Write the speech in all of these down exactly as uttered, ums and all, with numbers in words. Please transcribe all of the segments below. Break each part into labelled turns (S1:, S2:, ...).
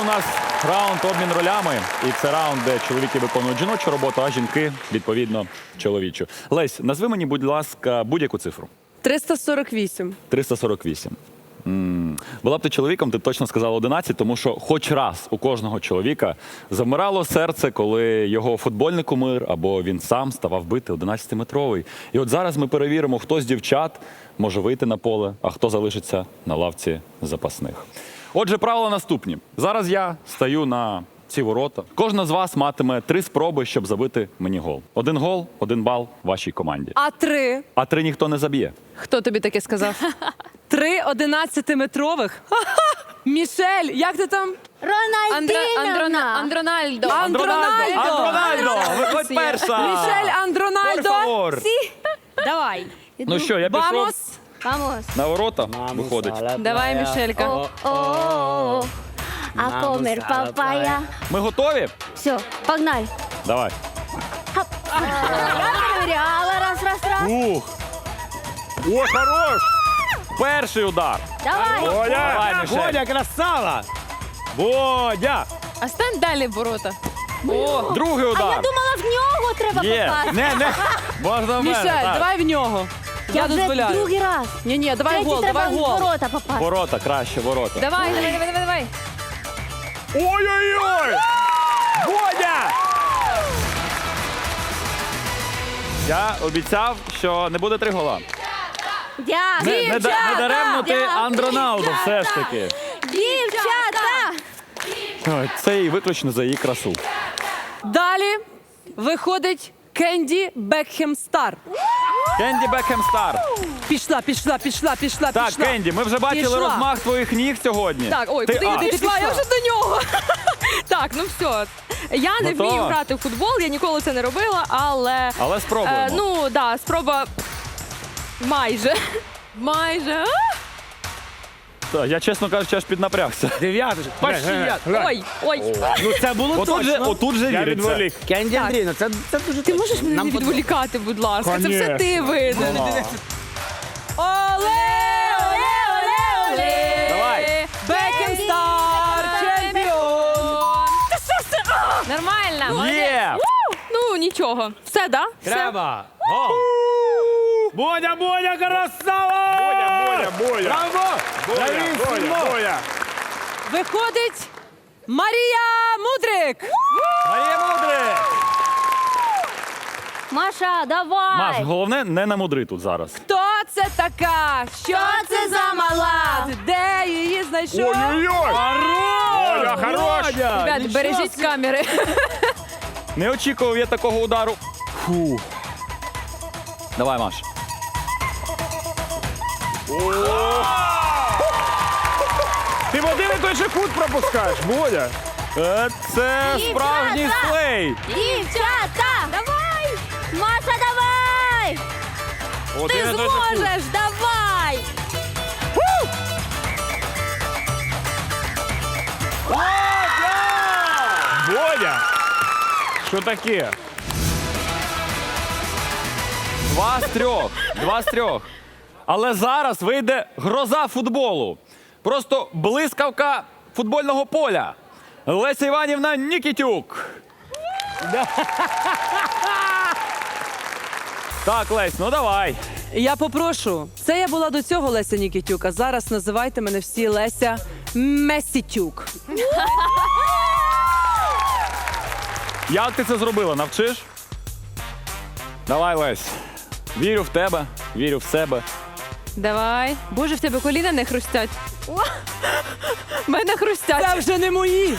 S1: нас раунд обмін ролями. І це раунд, де чоловіки виконують жіночу роботу, а жінки, відповідно, чоловічу. Лесь, назви мені, будь ласка, будь-яку цифру.
S2: триста сорок вісім.
S1: триста сорок вісім. М. Була б ти чоловіком, ти б точно сказала одинадцять, тому що хоч раз у кожного чоловіка замирало серце, коли його футбольний кумир або він сам ставав бити одинадцятиметровий. І от зараз ми перевіримо, хто з дівчат може вийти на поле, а хто залишиться на лавці запасних. Отже, правила наступні. Зараз я стаю на ці ворота. Кожна з вас матиме три спроби, щоб забити мені гол. Один гол, один бал вашій команді.
S2: А три?
S1: А три ніхто не заб'є.
S2: Хто тобі таке сказав? Три одинадцятиметрових? Ха-ха! Мішель, як ти там?
S3: Рональдіна.
S4: Андрональдо.
S2: Андрональдо!
S1: Андрональдо! Виходь перша!
S2: Мішель Андрональдо!
S1: Por favor.
S4: Давай.
S1: Ну що, я пішов
S2: Вамос!
S3: Vamos.
S1: на ворота, виходить.
S2: Давай, Мішелька.
S3: Oh, oh, oh. A comer papaya.
S1: Ми готові?
S3: Все, погнали.
S1: Давай.
S3: Раз, проверяла, раз, раз, раз.
S1: Ух! О, хорош! Перший удар.
S3: Давай.
S1: Давай, Мішель.
S5: Бодя, красава! Бодя!
S4: А стань далі в ворота.
S2: О,
S1: Другий
S3: А я
S1: удар.
S3: думала, в нього треба
S1: Є.
S3: попасти.
S1: Не, не. Можна в мене.
S2: Мішель,
S1: так.
S2: давай в нього. Я
S3: Я вже
S2: дозволяю.
S3: другий раз.
S2: Ні, ні, давай
S3: Третій
S2: гол,
S3: треба
S2: давай
S3: в
S2: гол.
S3: ворота попасти.
S1: Ворота, краще, ворота.
S4: Давай, давай, давай, давай, давай.
S1: Ой-ой-ой! Бодя! Я обіцяв, що не буде три гола.
S3: Дякую.
S1: Не, не, да- не даремно ти
S3: Дівчата!
S1: Андроналдо все ж таки.
S3: Дівчата!
S1: Ой, це і виключно за її красу.
S2: Далі виходить Кенді Бекхем Стар.
S1: Кенді Бекхем Стар.
S2: Пішла, пішла, пішла, пішла,
S1: Так,
S2: пішла.
S1: Кенді, ми вже бачили
S2: Пішла.
S1: розмах твоїх ніг сьогодні.
S4: Так, ой,
S1: Ти
S4: куди
S1: А.
S4: йди,
S2: Ти
S4: пішла, я
S2: пішла.
S4: вже до нього. Так, ну все. Я не
S1: Готова?
S4: вмію грати в футбол, я ніколи це не робила, але.
S1: Але спробуємо.
S4: Е, ну, так, да, спроба майже. Майже.
S1: Та, я, чесно кажучи, аж піднапрягся.
S5: Дев'яточка.
S1: Почти я.
S4: Ой, ой.
S5: Ну це було
S1: Отут же,
S5: точно.
S1: отут же
S5: Я
S1: віриться.
S5: відволік. Кенді
S4: Так.
S5: Андрійовна, це, це дуже
S4: Ти
S5: точно.
S4: можеш мене
S5: Нам
S4: не
S5: подобається.
S4: відволікати, будь ласка. Це все
S5: Конечно.
S4: ти винен.
S2: Оле, оле, оле, оле.
S1: Давай.
S2: Бекхем Стар, чемпіон.
S4: Та що це? А! Нормально. молодець.
S1: Є!
S4: У! Ну, нічого. Все, да? Все.
S5: Треба. Гол. Бодя, Бодя, красава!
S6: Боя, Боя, Боя.
S5: Браво!
S6: Боя, Боя, Боя.
S2: Виходить Марія Мудрик.
S1: Марія Мудрик!
S3: Маша, давай.
S1: Маш, головне не намудри тут зараз.
S2: Хто це така? Що це за мала? Де її знайшов?
S6: Ой-ой-ой. Боя, хорош.
S5: Бодя!
S4: Ребят, бережіть камери.
S1: Не очікував я такого удару. Фу. Давай, Маш.
S6: Ти в один і той же кут пропускаєш, Бодя.
S1: Е, Це справжній
S3: Дівчата!
S1: слей.
S3: Дівчата! Давай! Маша, давай!
S1: Один
S3: Ти
S1: і той же кут.
S3: зможеш, давай!
S6: Бодя. Що таке?
S1: Два з трьох. Два з трьох. Але зараз вийде гроза футболу. Просто блискавка футбольного поля. Леся Іванівна Нікітюк. Так, Лесь, ну давай.
S2: Я попрошу. Це я була до цього Леся Нікітюк, а зараз називайте мене всі Леся Месітюк.
S1: Як ти це зробила? Навчиш? Давай, Лесь. Вірю в тебе, вірю в себе.
S4: Давай. Боже, в тебе коліна не хрустять. В мене хрустять.
S2: Це вже не мої.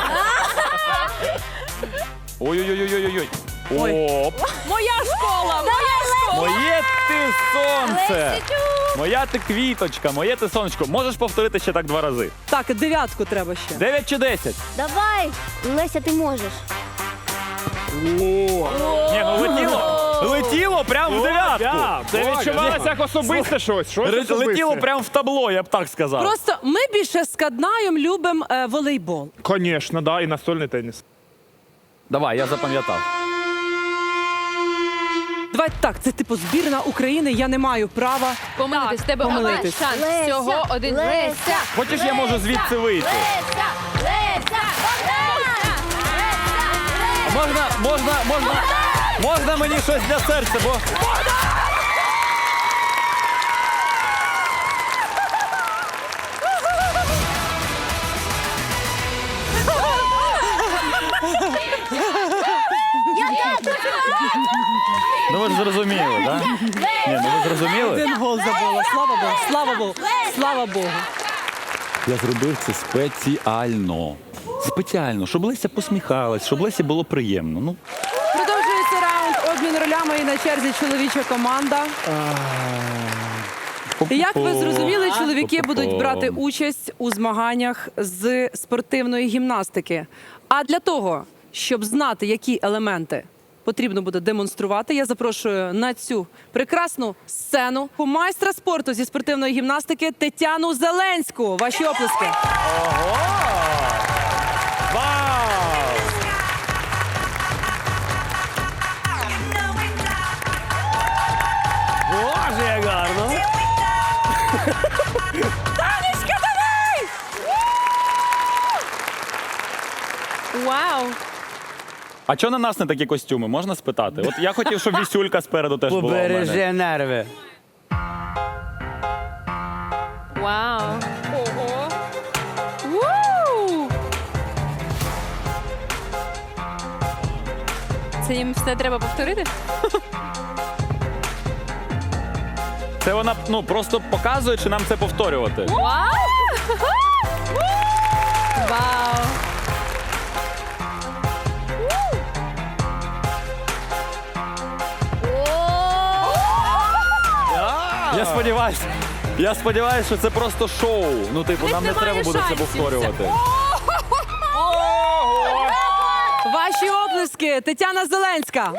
S1: Ой-ой-ой-ой-ой.
S2: Ой.
S1: Оп.
S4: Моя школа! Моя школа!
S1: Моє ти сонце.
S3: Лесічу!
S1: Моя ти квіточка, моє ти сонечко. Можеш повторити ще так два рази.
S2: Так, дев'ятку треба ще.
S1: Дев'ять чи десять?
S3: Давай! Леся, ти можеш.
S1: Ні, ну летіло. Летіло прямо в дев'ятку.
S6: Це відчувалося як особисте щось. Щось
S1: Ре-
S6: особисте.
S1: Летіло прямо в табло, я б так сказав.
S2: Просто ми більше з Каднаєм любимо е, волейбол.
S6: Конечно, да, і настольний теніс.
S1: Давай, я запам'ятав.
S2: Давай так, це типу збірна України, я не маю права.
S4: Помилитись, в тебе один
S2: помилитись.
S4: шанс.
S3: Леся,
S4: Всього один.
S3: Леся.
S1: Хочеш, я можу звідси вийти?
S3: Леся! Леся!
S1: Можна, можна, можна, можна мені щось для серця, бо... Ну ви ж зрозуміли, так? Ні, ну ви зрозуміли?
S2: Один гол забула. Слава Богу, слава Богу, слава Богу.
S1: Я зробив це спеціально. Спеціально, щоб Леся посміхалась, щоб Лесі було приємно. Ну,
S2: Продовжується раунд обмін ролями і на черзі чоловіча команда. Як ви зрозуміли, чоловіки будуть брати участь у змаганнях з спортивної гімнастики. А для того, щоб знати, які елементи потрібно буде демонструвати, я запрошую на цю прекрасну сцену майстра спорту зі спортивної гімнастики Тетяну Зеленську. Ваші оплески.
S5: Вау! Боже, як гарно!
S2: Танечка, давай!
S4: Вау!
S1: а чого на нас не такі костюми? Можна спитати? От я хотів, щоб вісюлька спереду теж була у мене.
S5: Побережи нерви.
S4: Вау! Ого! Вау! Це їм все треба повторити?
S1: Це вона ну просто показує, чи нам це повторювати.
S4: Вау! Вау!
S1: Я сподіваюся, я сподіваюся, що це просто шоу. Ну, типу, нам не
S4: немає
S1: треба буде це
S4: шансів.
S1: повторювати.
S2: Ваші оплески, Тетяна Зеленська.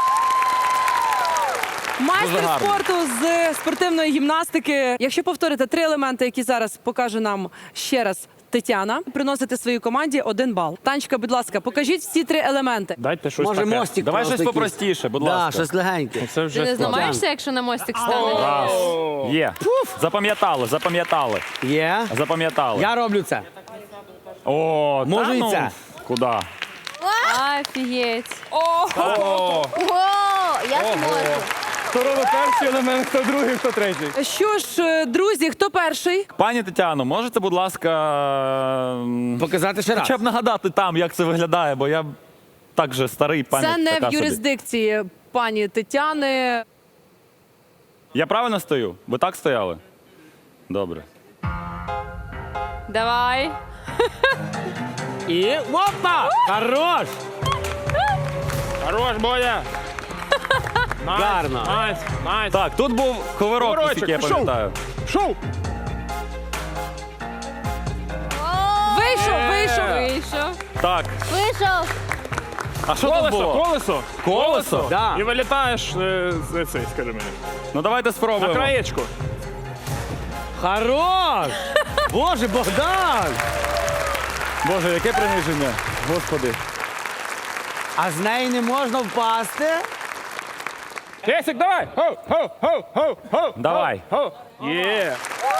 S2: Майстер
S1: Дуже гарно.
S2: спорту з спортивної гімнастики. Якщо повторите три елементи, які зараз покаже нам ще раз Тетяна, приносите своїй команді один бал. Танечка, будь ласка, покажіть всі три елементи.
S6: Дайте щось
S5: Може,
S6: таке.
S5: мостик
S1: Давай
S5: просто
S1: щось
S5: якийсь?
S1: попростіше, будь
S5: Да,
S1: ласка.
S5: щось легеньке.
S6: Це
S4: Ти
S6: вже
S4: не
S6: складно.
S4: зламаєшся, якщо на мостик станеш?
S1: Раз. Є. Запам'ятали, запам'ятали.
S5: Є?
S1: Запам'ятали.
S5: Я роблю це.
S1: О,
S5: Можу
S1: та
S5: і
S1: ну,
S5: це.
S1: Куди?
S4: Офігеть!
S3: Ого, я зможу.
S6: Хто робить перший елемент, хто другий, хто третій.
S2: Що ж, е, друзі, хто перший?
S1: Пані Тетяно, можете, будь ласка, м,
S5: Показати ще раз.
S1: хоча б нагадати там, як це виглядає, бо я так же старий, пані
S2: Це не
S1: така
S2: в
S1: собі.
S2: юрисдикції пані Тетяни.
S1: Я правильно стою? Ви так стояли? Добре.
S4: Давай!
S5: І опа! Хорош!
S6: Хорош, Боня! Найс,
S5: Гарно.
S6: Найс, найс.
S1: Так, тут був коверок,
S6: Коверочок,
S1: наскільки я
S6: пішов.
S1: пам'ятаю.
S6: Шоу!
S2: Вийшов,
S1: Е.
S2: вийшов.
S4: Вийшов.
S1: Так,
S3: Вийшов.
S1: а що тут
S6: Колесо,
S1: було?
S6: колесо.
S1: Колесо?
S5: Да.
S6: І вилітаєш е, з цей, скажи мені.
S1: Ну давайте
S6: На
S1: спробуємо.
S6: краєчку.
S5: Хорош! Боже, Богдан!
S1: Боже, яке приниження. Господи.
S5: А з неї не можна впасти?
S6: Кесик, давай! Хоу, хоу, хоу, хоу, хоу.
S1: Давай.
S6: Хоу. Є.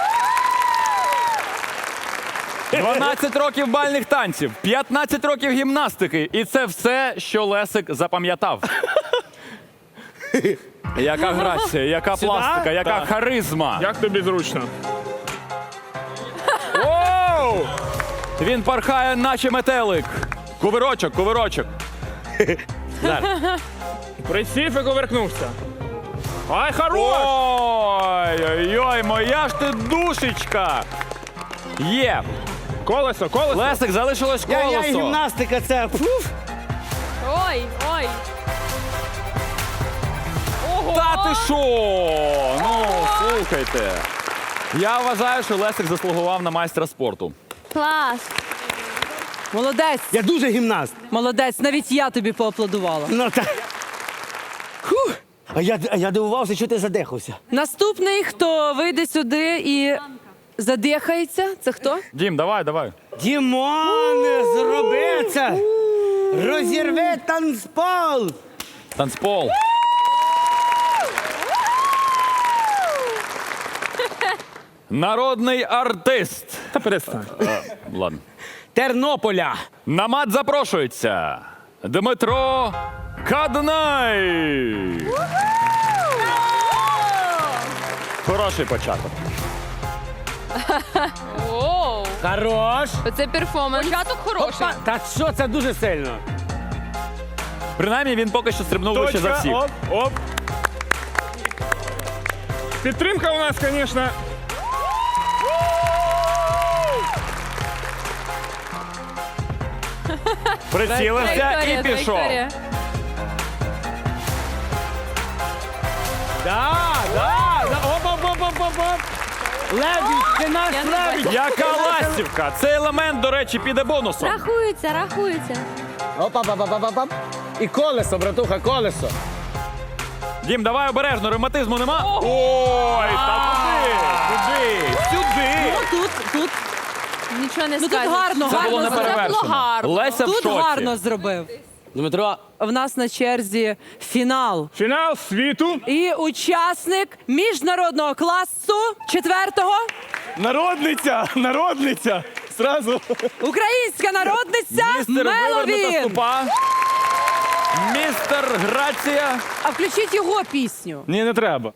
S1: дванадцять років бальних танців, п'ятнадцять років гімнастики. І це все, що Лесик запам'ятав. Яка грація, яка пластика, яка
S6: Так.
S1: харизма.
S6: Як тобі зручно? Оу!
S1: Він пархає, наче метелик. Кувирочок, кувирочок.
S6: Присів і коверкнувся. Ай, хорош!
S1: Ой-ой-ой, моя ж ти душечка. Є.
S6: Колесо, колесо.
S1: Лесик, залишилось
S5: Я, я і
S1: колесо.
S5: гімнастика це. Фуф.
S4: Ой, ой!
S1: Та ти що? Ну, слухайте. Я вважаю, що Лесик заслугував на майстра спорту.
S3: Клас.
S2: Молодець,
S5: Я дуже гімнаст.
S2: молодець. Навіть я тобі поаплодувала.
S5: Ну так. Фух. А я, а я дивувався, що ти задихався.
S2: Наступний, хто вийде сюди і задихається, це хто?
S1: Дім, давай, давай.
S5: Дімон, зроби це! Розірви танцпол!
S1: Танцпол. Народний артист.
S6: Та перестань.
S1: Ладно.
S5: Тернополя!
S1: На мат запрошується Дмитро Каднай. Хороший початок.
S4: Оу,
S5: Хорош.
S4: оце перформанс. Початок хороший.
S5: Опа, та що, це дуже сильно.
S1: Принаймні він поки що стрибнув вище за
S6: Точка,
S1: всіх.
S6: оп, оп. Підтримка у нас, звісно.
S1: Прицілився
S4: Траєкторія,
S1: і пішов.
S4: траєкторія.
S5: Да, да, да. Оп, оп, оп, оп, оп, оп. Лебідь, ти наш
S4: Я не
S5: лебідь.
S1: Яка ластівка! Цей елемент, до речі, піде бонусом.
S3: Рахується, рахується.
S5: Опа, оп, оп, оп, оп, оп. І колесо, братуха, колесо.
S1: Дім, давай обережно, ревматизму нема. Ой, та куди? Куди? Сюди.
S2: Ну, тут, тут,
S4: Нічого не
S2: ну, тут
S4: скажеш.
S2: гарно,
S1: Це було
S2: гарно.
S4: Це було
S1: неперевершено.
S4: гарно.
S1: Леся в
S2: Тут
S1: шоці.
S2: гарно зробив.
S5: Дмитро,
S2: В нас на черзі фінал.
S6: Фінал світу.
S2: І учасник міжнародного класу четвертого
S6: Народниця, народниця. Сразу.
S2: українська народниця
S1: Містер вивернута
S2: Меловін.
S1: ступа. Містер Грація.
S2: А включіть його пісню.
S6: Ні, не треба.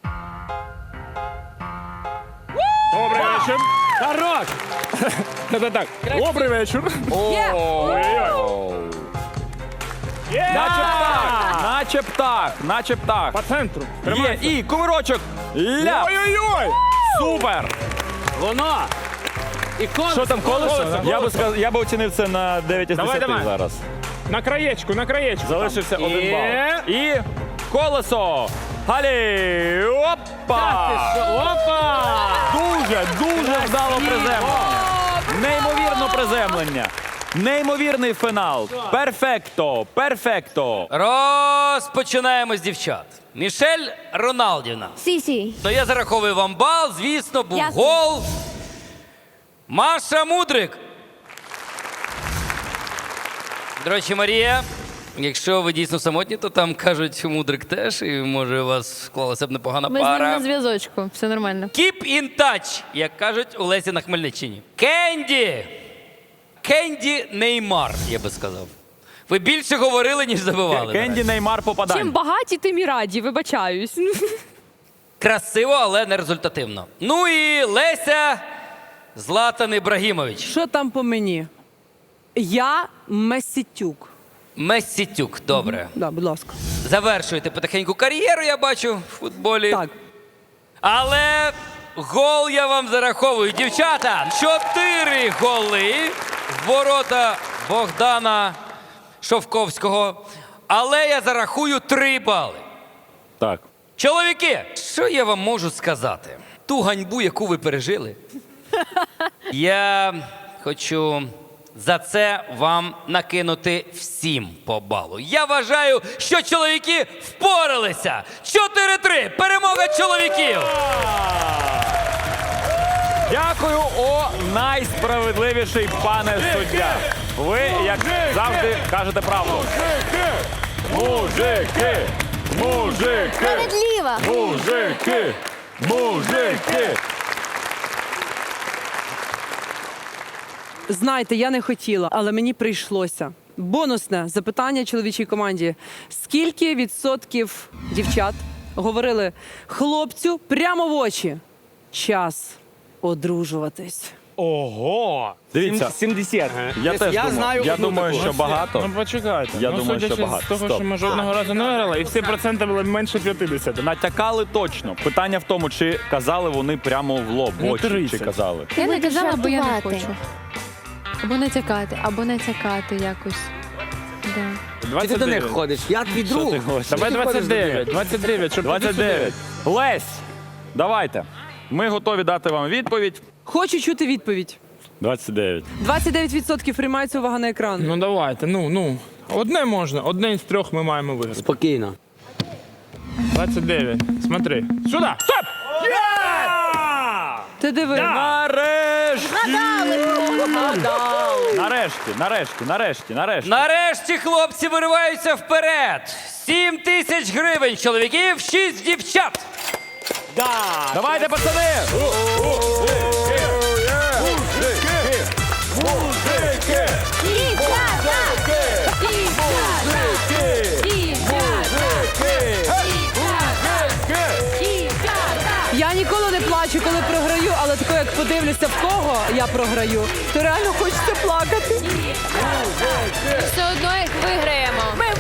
S6: Добрий вечір.
S5: хорош.
S6: Так, так. Добрий вечір.
S2: Є.
S6: Ой-ой. Є!
S1: Наче птах, наче птах, наче птах.
S6: По центру.
S1: Є,
S6: Тримайся.
S1: і кувирочок. Ляп.
S6: Ой-ой-ой.
S1: Супер.
S5: Воно. І колесо.
S6: Що там, колесо? да?
S1: Я би сказав, я би оцінив це на дев'ять із
S6: Давай,
S1: десяти
S6: давай.
S1: зараз.
S6: На краєчку, на краєчку.
S1: Залишився
S6: там.
S1: один
S6: Є.
S1: бал. І колесо. Галі. Опа.
S5: Опа.
S1: Дуже, дуже вдало приземлення. Неймовірно приземлення. Неймовірний фінал. Перфекто, перфекто.
S7: Розпочинаємо з дівчат. Мішель Роналдівна.
S3: Сі-сі.
S7: То я зараховую вам бал, звісно, був
S3: Ясно.
S7: гол. Маша Мудрик. До речі, Марія, якщо ви дійсно самотні, то там кажуть Мудрик теж, і може у вас склалася б непогана
S4: Ми з ним
S7: пара.
S4: на зв'язочку, все нормально.
S7: Keep in touch, як кажуть у Лесі на Хмельниччині. Кенді. Кенді Неймар, я би сказав. Ви більше говорили, ніж забивали.
S1: Кенді Неймар
S4: Чим
S1: попадань.
S4: багаті, тим і раді, вибачаюсь.
S7: Красиво, але не результативно. Ну і Леся Златан Ібрагімович.
S2: Що там по мені? Я Месітюк.
S7: Мессітюк, добре.
S2: Да, будь ласка.
S7: Завершуєте потихеньку кар'єру, я бачу, в футболі.
S2: Так.
S7: Але гол я вам зараховую. Дівчата, чотири голи в ворота Богдана Шовковського. Але я зарахую три бали.
S1: Так.
S7: Чоловіки, що я вам можу сказати? Ту ганьбу, яку ви пережили, я хочу за це вам накинути всім по балу. Я вважаю, що чоловіки впоралися. чотири-три. Перемога чоловіків.
S1: Дякую, о найсправедливіший пане суддя. Ви, як завжди, кажете правду. Мужики! Мужики!
S3: Справедліва.
S1: Мужики! Мужики!
S2: Знаєте, я не хотіла, але мені прийшлося. Бонусне запитання чоловічій команді. Скільки відсотків дівчат говорили хлопцю прямо в очі? Час одружуватись.
S6: Ого.
S1: Дивіться,
S5: сімдесят.
S1: я теж
S5: я
S1: думаю,
S5: знаю
S1: я
S5: одну
S1: думаю,
S5: таку.
S1: що багато.
S6: Ну почекайте.
S1: Я
S6: ну,
S1: думаю, що
S6: судячи
S1: багато.
S6: з того,
S1: Стоп.
S6: що ми жодного разу не виграли, і всі проценти були менше п'ятдесят.
S1: Натякали точно. Питання в тому, чи казали вони прямо в лоб, в
S6: Ну,
S1: очі, чи
S6: тридцять.
S1: казали.
S4: Я не
S3: будеш
S4: казала, бо я не
S3: жартувати.
S4: хочу. Або натякати, або натякати якось. Да.
S5: Чи ти до них ходиш? Я твій друг.
S1: ти говориш?
S6: Давай
S5: Ти ходиш до
S6: двадцять дев'ять.
S5: них?
S6: двадцять дев'ять, щоб
S1: двадцять дев'ять. Лесь, давайте. Ми готові дати вам відповідь.
S2: Хочу чути відповідь.
S1: двадцять дев'ять.
S2: двадцять дев'ять відсотків приймається увага на екран.
S6: Ну давайте, ну, ну. Одне можна, одне із трьох ми маємо виграти.
S5: Спокійно.
S6: двадцять дев'ять. Смотри. Сюди! Стоп!
S2: Ти диви.
S1: Нарешті! Нарешті, нарешті, нарешті, нарешті.
S7: Нарешті хлопці вириваються вперед. Сім тисяч гривень чоловіків, шість дівчат.
S1: Давайте, пацани!
S3: Дівчата! Дівчата!
S2: програю, але тако, як подивлюся, в кого я програю, то реально хочеться плакати.
S4: Все одно їх виграємо.
S2: Ми